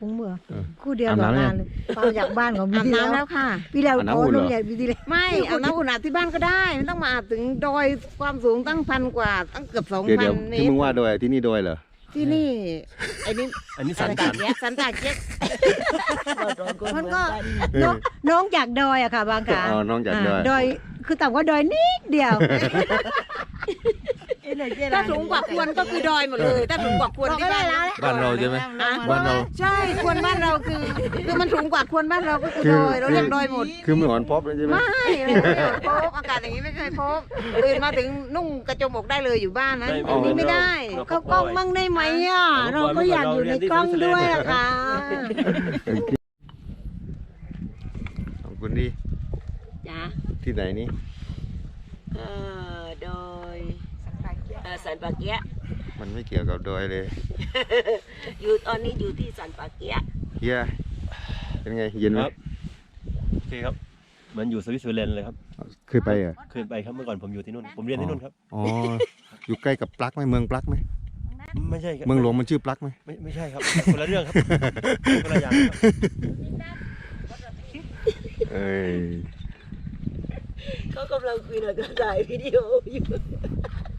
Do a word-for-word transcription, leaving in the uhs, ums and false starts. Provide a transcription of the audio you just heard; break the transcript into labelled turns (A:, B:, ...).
A: ปุ้งเมื่อ
B: เออ
A: คู่เดียว
B: อาบ
A: กับ
B: น้ำยัง
A: งานเลยฟังจากบ้านของ
C: อาบ
A: พี่
C: น้ำ
A: แล้
C: แล้ว วค่ะ
A: พี่แล้ว
B: อาบน้ำ
A: โอ้
B: อุ่นเหรอ
A: น้องใหญ่พี่ดีเลย
C: ไม่อาบน้ำอุ่นอาบที่บ้านก็ได้ไม่ต้องมาอาบถึงดอยความสูงตั้งพันกว่าตั้งเกือบสอง
B: เดี๋ยว
C: พั
B: เดี๋
C: น
B: ยว
C: เม
B: ที่
C: ต
B: มึ
C: รง
B: ว่าโดยที่นี่โดยเหรอ
C: ที่นี่ไอ้นี่
D: อันนี้สัน
C: อะไร
D: สั
C: ตาน เกียกสันตาเกียก
A: มันก็น้องน้องจากดอยอะค่ะบางขา
B: อ๋อน้องจากดอย
A: ดอยคือต่ำกว่าดอยนิดเดียว
C: ถ้าสูงกว่าควรก็คือดอยหมดเลยถ้าสูงกว่าควรที่บ้านเรา
B: บ้านเราใช่ไหม
C: อ่ะ
B: บ้านเรา
C: ใช่ควรบ้านเราคือคือมันสูงกว่าควรบ้านเราก็คือดอยเราเรียกดอยหมด
B: คือมือหอนพบเลยใช่ไหม
C: ไม่ไม่เคยพบอากาศอย่างนี้ไม่เคยพบตื่นมาถึงนุ่งกระโจมอกได้เลยอยู่บ้านนะอันนี้ไม่ได้
A: เขากล้องมั่งได้ไหมอ่ะเราก็อยากอยู่ในกล้องด้วยอะค่ะ
B: ขอบคุณดี
C: จ้า
B: ที่ไหนนี่
C: เออโดยเออสันปาเกียะ
B: มันไม่เกี่ยวกับดอยเลย
C: อยู่ตอนนี้อยู่ที่สันปาเกียะ
B: เฮียเป็นไงเย็นไหม
D: ครับโอเคครับเหมือนอยู่สวิตเซอร์แลนด์เลยครับ
B: เคยไปเหรอ
D: เคยไปครับเมื่อก่อนผมอยู่ที่นู่นผมเรียนที่นู่นครับ
B: อ๋ออยู่ใกล้กับปลั๊กไหมเมืองปลั๊กไหม
D: ไม่ใช่ครับ
B: เมืองหลวงมันชื่อปลั๊กไหม
D: ไม่ไม่ใช่ครับคนละเรื่องครับคนละอย่างครับ
B: เอ้ย
C: เขากำลังคุยหน่อยก็ถ่ายวิดีโออยู่